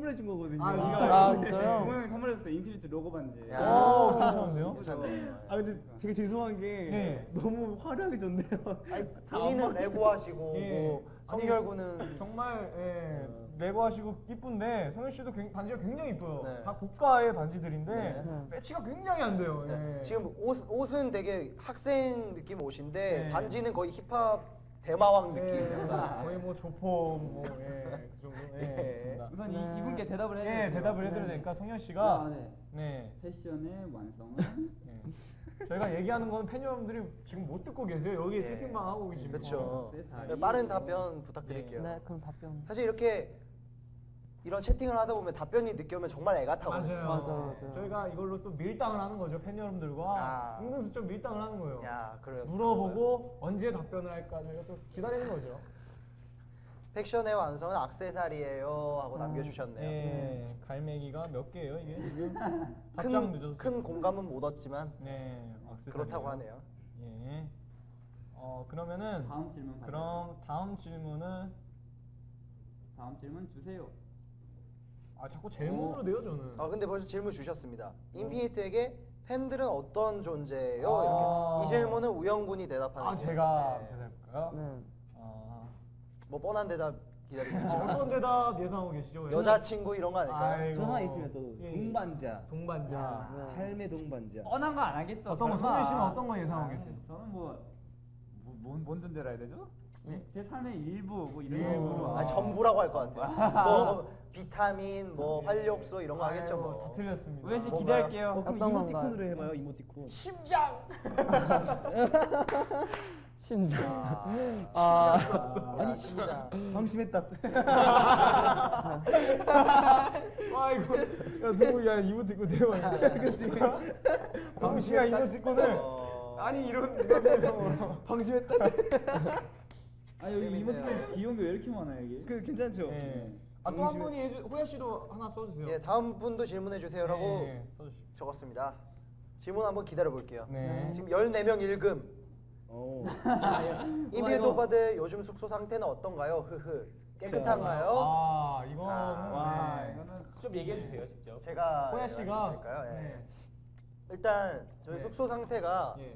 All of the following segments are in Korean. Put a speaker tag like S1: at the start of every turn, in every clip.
S1: 선물해 준 거거든요.
S2: 아 진짜요?
S3: 동호 형이 선물해줬어요. 인피니트 로고 반지.
S4: 오 괜찮은데요?
S3: 괜찮네.
S1: 아 근데 되게 죄송한 게
S4: 네.
S1: 너무 화려하게 줬네요.
S5: 본인은 레고 하시고
S4: 예.
S5: 뭐 성결구는
S4: 정말 레고 하시고 이쁜데 성현 씨도 반지가 굉장히 이뻐요.
S5: 네.
S4: 다 고가의 반지들인데
S5: 네.
S4: 매치가 굉장히 안 돼요.
S5: 네.
S4: 예.
S5: 지금 옷은 되게 학생 느낌 옷인데
S4: 네.
S5: 반지는 거의 힙합 대마왕 느낌.
S4: 예, 거의 뭐 조폭 그 정도.
S5: 예.
S4: 있습니다.
S3: 우선
S4: 네.
S3: 이분께 대답을 해야
S4: 예,
S3: 돼요.
S4: 대답을 해드려야 되니까 성현 씨가
S3: 네.
S4: 네.
S3: 패션의 완성은
S4: 저희가 얘기하는 건 팬 여러분들이 지금 못 듣고 계세요. 여기
S5: 예.
S4: 채팅방 하고 계시면.
S5: 그렇죠.
S3: 네,
S5: 빠른 답변 부탁드릴게요.
S2: 네 그럼 답변.
S5: 사실 이렇게 이런 채팅을 하다 보면 답변이 늦게 오면 정말 애가 타거든요.
S4: 맞아요.
S2: 맞아요.
S4: 저희가 이걸로 또 밀당을 하는 거죠. 팬 여러분들과
S5: 아.
S4: 은근슬쩍 밀당을 하는 거예요.
S5: 야, 그래요.
S4: 물어보고 언제 답변을 할까 저희가 또 기다리는 거죠.
S5: 팩션의 완성은 악세사리예요 하고 남겨주셨네요.
S4: 예, 갈매기가 몇 개예요 이게 지금? 답장 늦었어요.
S5: 큰 공감은 못 얻지만
S4: 네, 악세사리요.
S5: 그렇다고 하네요.
S4: 예. 그러면은
S3: 다음 질문
S4: 그럼 다음 질문은
S3: 다음 질문 주세요.
S4: 자꾸 질문으로 내요 저는.
S5: 근데 벌써 질문 주셨습니다. 인피니트에게 팬들은 어떤 존재예요?
S4: 아.
S5: 이렇게 이 질문은 우영 군이 대답하는.
S4: 제가
S5: 네.
S4: 대답할까요?
S2: 네.
S5: 뭐 뻔한 대답 기다리고
S4: 어떤
S5: 있지만
S4: 대답 예상하고 계시죠?
S5: 여자친구 이런 거 아닐까요?
S4: 아이고.
S1: 저 하나 있으면 또
S4: 예.
S1: 동반자.
S4: 동반자.
S2: 네.
S1: 삶의 동반자.
S3: 뻔한 거 안 하겠죠.
S4: 어떤 거,
S3: 설마.
S4: 성민 씨는 어떤 거 예상하고 계세요?
S3: 저는 뭔 존재라 해야 되죠? 제 삶의 일부 뭐 이런
S4: 일부.
S3: 식으로.
S5: 전부라고 할 것 같아요. 뭐 비타민, 뭐 활력소 이런 거 하겠죠
S4: 아이고,
S5: 뭐.
S4: 다 틀렸습니다.
S3: 우현 씨
S5: 뭔가요?
S3: 기대할게요.
S1: 그럼
S2: 어떤
S1: 이모티콘으로
S2: 건가요?
S1: 해봐요. 이모티콘.
S4: 심장.
S2: 심장.
S5: 아니 심장.
S1: 방심했다.
S4: 아이고, 야 누구 야 이모티콘 대박이야.
S1: 그치.
S4: 방시가 이모티콘을 아니 이런 내용으로.
S1: 방심했다.
S3: 아 여기
S5: 재밌네요.
S3: 이모티콘 귀여운 게 왜 이렇게 많아요 이게?
S1: 그 괜찮죠?
S4: 네. 또 한 분이 호야 씨도 하나 써주세요.
S5: 예, 다음 분도 질문해 주세요라고
S4: 네, 써주시죠.
S5: 적었습니다. 질문 한번 기다려 볼게요.
S4: 네.
S5: 지금 14명 읽음.
S1: 오.
S5: 인피니트 오빠들 요즘 숙소 상태는 어떤가요? 흐흐. 깨끗한가요?
S4: 이거는
S3: 와
S4: 네.
S3: 이거는
S6: 좀 얘기해 주세요, 직접.
S5: 제가
S4: 호야 씨가
S5: 말씀드릴까요? 예.
S4: 네.
S5: 일단 저희
S4: 네.
S5: 숙소 상태가
S4: 예.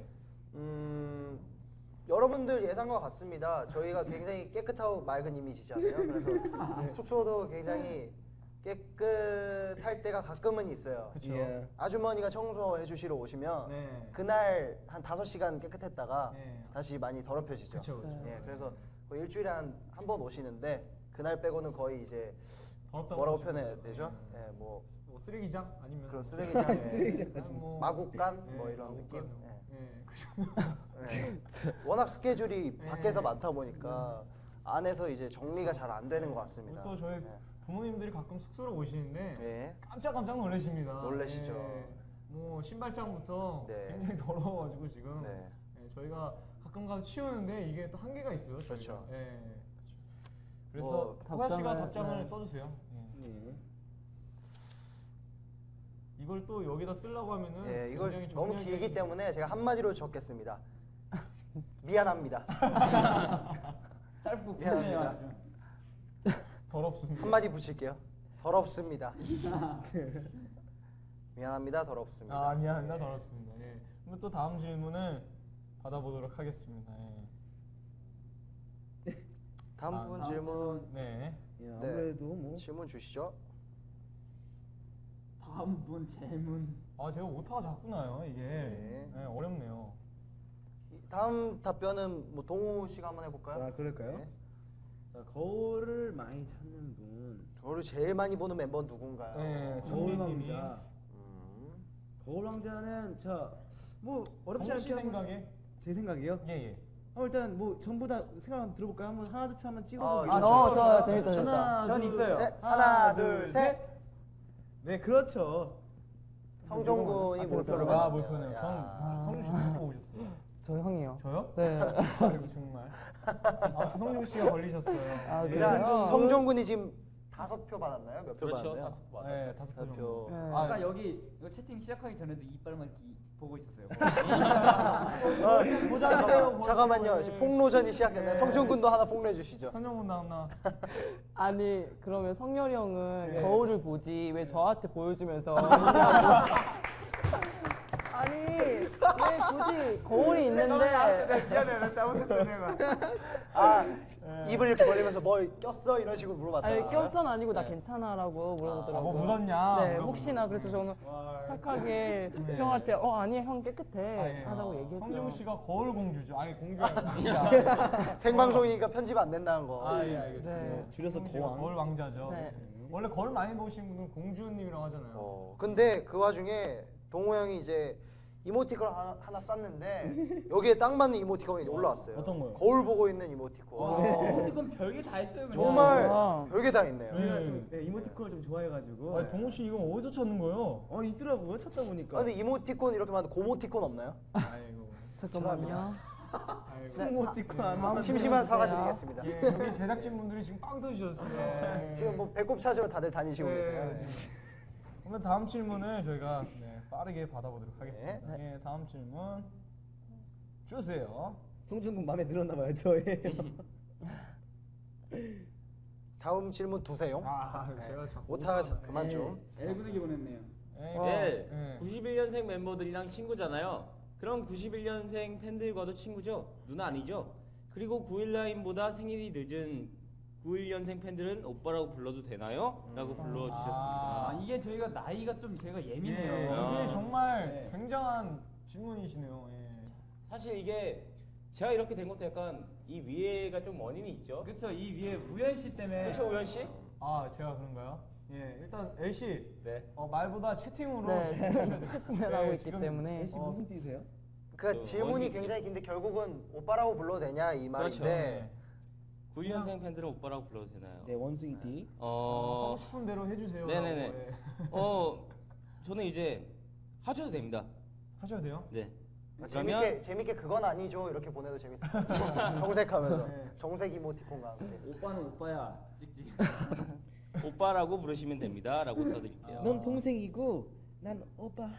S5: 여러분들 예상과 같습니다. 저희가 굉장히 깨끗하고 맑은 이미지잖아요. 그래서 숙소도 굉장히 깨끗할 때가 가끔은 있어요.
S4: 그쵸.
S1: 예.
S5: 아주머니가 청소해 주시러 오시면
S4: 네.
S5: 그날 한 5시간 깨끗했다가
S4: 네.
S5: 다시 많이 더럽혀지죠.
S4: 그쵸, 그쵸.
S5: 예, 그래서 거의 일주일에 한 번 오시는데 그날 빼고는 거의 이제
S4: 더럽다고
S5: 뭐라고
S4: 하시는
S5: 표현해야
S4: 거죠.
S5: 되죠?
S4: 네.
S5: 예, 뭐
S4: 쓰레기장 아니면
S5: 그런 쓰레기장,
S1: 쓰레기장
S4: 그냥 뭐
S5: 마국간 뭐
S4: 네,
S5: 이런 느낌.
S4: 마국간.
S5: 예.
S4: 예.
S5: 예. 워낙 스케줄이
S4: 네.
S5: 밖에서 많다 보니까 안에서 이제 정리가 잘 안 되는 것 같습니다.
S4: 또 저희
S5: 예.
S4: 부모님들이 가끔 숙소로 오시는데
S5: 예.
S4: 깜짝 놀라십니다.
S5: 놀라시죠.
S4: 예. 뭐 신발장부터
S5: 네.
S4: 굉장히 더러워가지고 지금
S5: 네.
S4: 예, 저희가 가끔 가서 치우는데 이게 또 한계가 있어요. 저희가.
S5: 그렇죠.
S4: 예. 그래서
S5: 뭐,
S4: 호야 씨가
S2: 답장을-
S4: 답장을
S2: 네.
S4: 써주세요. 예.
S1: 네.
S4: 이걸 또 여기다 쓰려고 하면은
S5: 예, 이걸
S4: 굉장히
S5: 너무
S4: 정리하기가
S5: 길기
S4: 좀-
S5: 때문에 제가 한마디로 적겠습니다. 미안합니다.
S3: 짧고
S5: 미안합니다.
S3: 푸네요.
S4: 더럽습니다.
S5: 한마디 붙일게요. 더럽습니다. 미안합니다. 더럽습니다.
S4: 아니야, 나
S5: 예.
S4: 더럽습니다. 예. 그럼 또 다음 질문을 받아보도록 하겠습니다. 예.
S5: 다음 분
S3: 다음
S5: 질문.
S4: 네.
S1: 예, 아무래도 뭐
S5: 질문 주시죠.
S3: 다음 분 질문.
S4: 제가 오타가 자꾸 나요, 이게.
S5: 네.
S4: 네, 어렵네요.
S5: 다음 답변은 뭐 동우 씨가 한번 해볼까요?
S1: 아 그럴까요?
S5: 네.
S1: 자 거울을 많이 찾는 분.
S5: 저를 제일 많이 보는 멤버는 누군가요?
S4: 네,
S1: 거울
S4: 정민님이.
S1: 왕자.
S5: 음.
S1: 거울 왕자는 뭐 어렵지
S4: 정우 씨
S1: 않게 한번-
S4: 생각에?
S1: 제 생각이요?
S4: 예, 예.
S1: 일단 뭐 전부 다 생각 한번 들어볼까요? 한번 하나 둘 셋 한번
S5: 아,
S1: 찍어보고.
S2: 좋아요. 재밌다, 재밌다.
S1: 하나
S3: 전
S1: 둘
S3: 있어요.
S1: 셋.
S5: 하나, 둘, 셋.
S1: 네 그렇죠.
S5: 성종군이
S2: 아,
S5: 몰표를
S2: 제가-
S4: 아,
S5: 받았네요.
S4: 몰표네요.
S5: 야.
S4: 성준 씨 누구 오셨어요?
S2: 저 형이요.
S4: 저요?
S2: 네.
S4: 아이고 정말. 성준 씨가 걸리셨어요.
S2: 아,
S4: 예.
S2: 그래요?
S5: 성종군이 지금 5표 받았나요? 몇 표
S6: 그렇죠.
S5: 받았나요?
S6: 5표 받았죠.
S4: 네, 5표
S5: 몇
S4: 정도.
S5: 표.
S2: 네.
S3: 아까 여기 이거 채팅 시작하기 전에도 이빨만 보고 있었어요.
S5: 잠깐만요. 지금 폭로전이 시작됐나요?
S4: 네.
S5: 성준군도 하나 폭로해 주시죠.
S4: 선영군 나왔나?
S2: 아니 그러면 성열이 형은
S4: 네.
S2: 거울을 보지 왜 저한테 보여주면서 있냐고. 아니 왜 굳이 거울이 있는데
S3: 미안해, 나 잘못했어 내가.
S5: 아, 입을 이렇게 벌리면서 뭘 꼈어? 이런 식으로 물어봤다.
S2: 아니 껴선 아니고 나
S5: 네.
S2: 괜찮아라고 물어보더라고요.
S4: 뭐 묻었냐?
S2: 네
S4: 물어보고.
S2: 혹시나 그래서 저는
S4: 와,
S2: 착하게
S4: 네.
S2: 형한테 아니 형 깨끗해
S4: 아, 예.
S2: 하다고 얘기했죠.
S4: 성재훈 씨가 거울 공주죠. 아니 공주가 아니라
S5: 생방송이니까 편집 안 된다는 거.
S4: 아, 예, 알겠습니다.
S2: 네.
S1: 줄여서
S4: 성재훈 씨가
S1: 거왕.
S4: 거울 왕자죠.
S2: 네.
S4: 원래 거울 많이 보신 분은 공주님이라고 하잖아요.
S5: 근데 그 와중에 동호 형이 이제 이모티콘 하나 쌌는데 여기에 딱 맞는 이모티콘이 올라왔어요.
S4: 어떤 거요?
S5: 거울 보고 있는 이모티콘.
S3: 이건 별게 다 있어요. 그냥.
S5: 정말
S2: 아.
S5: 별게 다 있네요.
S1: 제가 좀 이모티콘을 좀 좋아해가지고.
S4: 아니, 동호 씨 이건 어디서 찾는 거예요?
S1: 있더라고요. 찾다 보니까.
S5: 근데 이모티콘 이렇게 많은데 고모티콘 없나요?
S4: 아이고.
S2: 잠깐만요.
S4: 아이고.
S1: 스모티콘 안
S2: 다음
S1: 나왔는데.
S5: 심심한
S2: 질문
S5: 사과드리겠습니다.
S4: 예, 여기 제작진분들이 지금 빵 터지셨어요.
S5: 지금 뭐 배꼽 찾으러 다들 다니시고 계세요.
S4: 네. 오늘 다음 질문을 저희가 빠르게 받아보도록 하겠습니다.
S2: 네.
S4: 예, 다음 질문 주세요.
S1: 성준군 마음에 들었나봐요. 저의.
S5: 다음 질문 두세요.
S4: 아, 제가 자꾸
S5: 오타 그만 좀.
S3: 애구르기 보냈네요.
S4: 예,
S6: 네,
S4: 예.
S6: 91년생 멤버들이랑 친구잖아요. 그럼 91년생 팬들과도 친구죠? 누나 아니죠? 그리고 919보다 생일이 늦은 91년생 팬들은 오빠라고 불러도 되나요? 라고 불러주셨습니다.
S3: 아, 이게 저희가 나이가 좀 저희가
S4: 예,
S3: 예민해요.
S4: 이게 정말
S3: 네.
S4: 굉장한 질문이시네요. 예.
S6: 사실 이게 제가 이렇게 된 것도 약간 이 위에가 좀 원인이 있죠?
S3: 그렇죠. 이 위에 우현 씨 때문에.
S6: 그렇죠, 우현 씨?
S4: 아, 제가 그런가요? 예, 일단 L 씨
S6: 네.
S4: 말보다 채팅으로
S2: 네 채팅을 하고 있기
S4: 지금
S2: 때문에
S1: 혹시 무슨 띠세요?
S5: 그
S6: 저
S5: 질문이
S6: 원숭이
S5: 굉장히 긴데 결국은 오빠라고 불러도 되냐 이
S6: 그렇죠.
S5: 말인데
S6: 91년생 팬들은 오빠라고 불러도 되나요?
S1: 네, 원숭이 띠.
S4: 하고 싶은 대로 해주세요.
S6: 네네네.
S4: 라고, 예.
S6: 저는 이제 하셔도 됩니다.
S4: 하셔도 돼요?
S6: 네.
S5: 재밌게 그건 아니죠 이렇게 보내도 재밌어요. 정색하면서
S4: 네.
S5: 정색 이모티콘과 함께.
S3: 오빠는 오빠야. 찍찍.
S6: 오빠라고 부르시면 됩니다. 라고 써드릴게요.
S1: 넌 동생이고 난 오빠.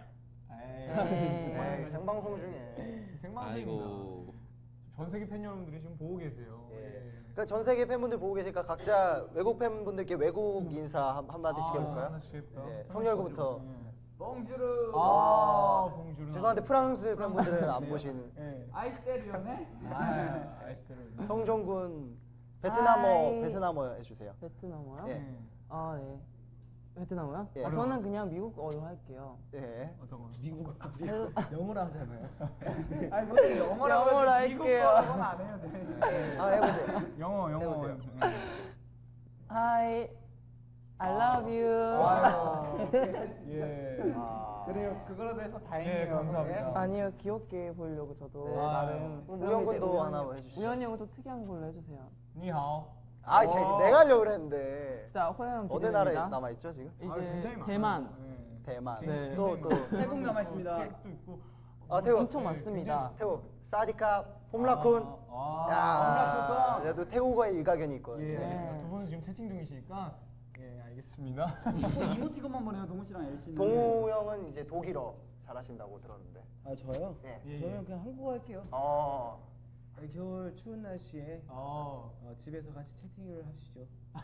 S5: 네, 생방송 중에.
S4: 생방송입니다.
S6: 아이고.
S4: 전 세계 팬 여러분들이 지금 보고 계세요.
S5: 예. 그러니까 전 세계 팬분들 보고 계시니까 각자 외국 팬분들께 외국 인사 한마디씩 해볼까요?
S4: 하나씩 해볼까요?
S5: 네, 성열구부터.
S3: 봉주르.
S4: 봉주르.
S5: 죄송한데 프랑스 팬분들은 안
S4: 네.
S5: 보시는.
S4: 예.
S3: 아이스테리오네.
S4: 아이스테로.
S5: 성종군
S2: 하이.
S5: 베트남어 해주세요.
S2: 베트남어요?
S5: 예.
S2: 아 네. 베트남어요?
S5: 예.
S2: 아, 저는 그냥 미국어로 할게요.
S5: 예.
S4: 어떤 거?
S1: 미국어. 영어로 하잖아요.
S3: 아니 무슨 영어라고
S2: 영어로
S3: 해서 미국
S2: 할게요.
S3: 거라고는 안 해요 저희.
S5: 아 해보세요.
S4: 영어
S5: 해보세요.
S4: 해보세요.
S2: Hi, I love you.
S4: 아유. 예.
S3: 그래요. 그거라도 해서
S4: 예,
S3: 다행이에요.
S4: 감사합니다.
S2: 아니요 귀엽게 보려고 저도
S5: 네.
S2: 나름.
S5: 그럼
S2: 그럼
S5: 우영
S2: 이제
S5: 군도
S2: 우영
S5: 하나
S2: 형-
S5: 해주시죠.
S2: 우영이 형은 좀 특이한 걸로 해주세요.
S4: 니하오.
S5: 아, 내가 하려고 그랬는데.
S2: 자 호영 형
S5: 어느
S2: 기대됩니다.
S5: 나라에 남아 있죠 지금?
S2: 이제
S4: 굉장히 많아요.
S2: 대만.
S4: 예.
S5: 대만.
S2: 네.
S5: 또
S3: 태국 남아 있습니다.
S4: 태국도 있고.
S5: 아, 태국.
S2: 엄청 많습니다.
S5: 태국. 사디카, 폼라쿤.
S4: 아,
S5: 야, 그래도 태국어에 일가견이 있거든요.
S4: 예,
S2: 네.
S4: 알겠습니다. 두 분은 지금 채팅 중이시니까 예, 알겠습니다.
S3: 이모티콘만 보내요 동훈 씨랑 엘 씨는.
S5: 동우 형은 이제 독일어 잘하신다고 들었는데.
S1: 아 저요?
S5: 예.
S4: 예.
S1: 저는 그냥 한국어 할게요. 겨울 추운 날씨에 집에서 같이 채팅을 하시죠.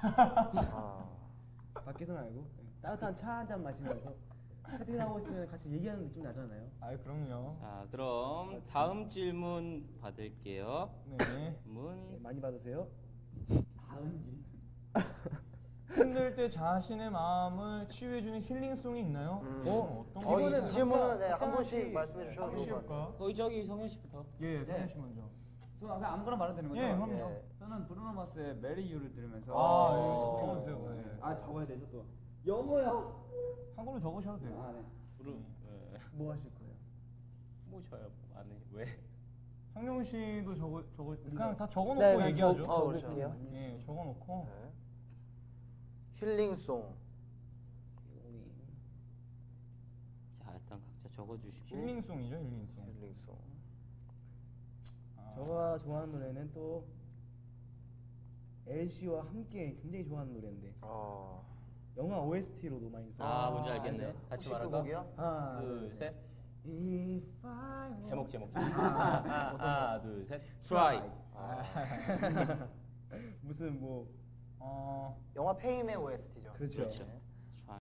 S1: 밖에서 말고 따뜻한 차 한 잔 마시면서 채팅하고 있으면 같이 얘기하는 느낌 나잖아요.
S4: 아, 그럼요.
S6: 자, 그럼 다음 질문 받을게요.
S4: 네.
S1: 네,
S6: 질문.
S1: 많이 받으세요.
S3: 다음 질.
S4: 힘들 때 자신의 마음을 치유해주는 힐링송이 있나요? 어떤 거?
S5: 이 질문은 네, 한
S1: 각자
S5: 분씩
S1: 하나씩
S5: 말씀해 주셔도
S4: 한번
S5: 좋을 것 같아요.
S4: 씌울까?
S6: 저기 성현 씨부터.
S4: 예, 성현 씨 먼저.
S3: 저는 그냥 아무거나 말해도 되는 거죠?
S4: 예, 그럼요.
S5: 예.
S3: 저는 브루노 마스의 메리 유를 들으면서.
S4: 아, 예, 적어주세요. 예.
S3: 아 적어야 되죠 또. 영어요.
S4: 한글로 적으셔도 돼요.
S3: 아 네.
S6: 부르.
S1: 뭐 하실 거예요?
S6: 뭐 저요? 아니 왜?
S4: 성룡 씨도 그냥 다 적어놓고
S2: 네, 그냥
S4: 얘기하죠.
S2: 그럴게요.
S4: 예, 적어놓고.
S5: 네. 힐링송.
S6: 자, 일단 각자 적어주시고.
S4: 힐링송이죠, 힐링송.
S5: 힐링송.
S4: 아,
S1: 저가 좋아하는 노래는 또 LC와 함께 굉장히 좋아하는 노래인데
S5: 아,
S1: 영화 OST로도 많이 써.
S6: 아 뭔지 알겠네. 같이
S5: 혹시 그
S6: 말할까?
S5: 곡이요?
S1: 하나,
S6: 둘, 셋.
S1: If I were-
S6: 제목. 하나, 둘, 셋. Try.
S1: 무슨 뭐
S4: 어,
S5: 영화 페임의 OST죠.
S1: 그렇죠.
S6: 그렇죠.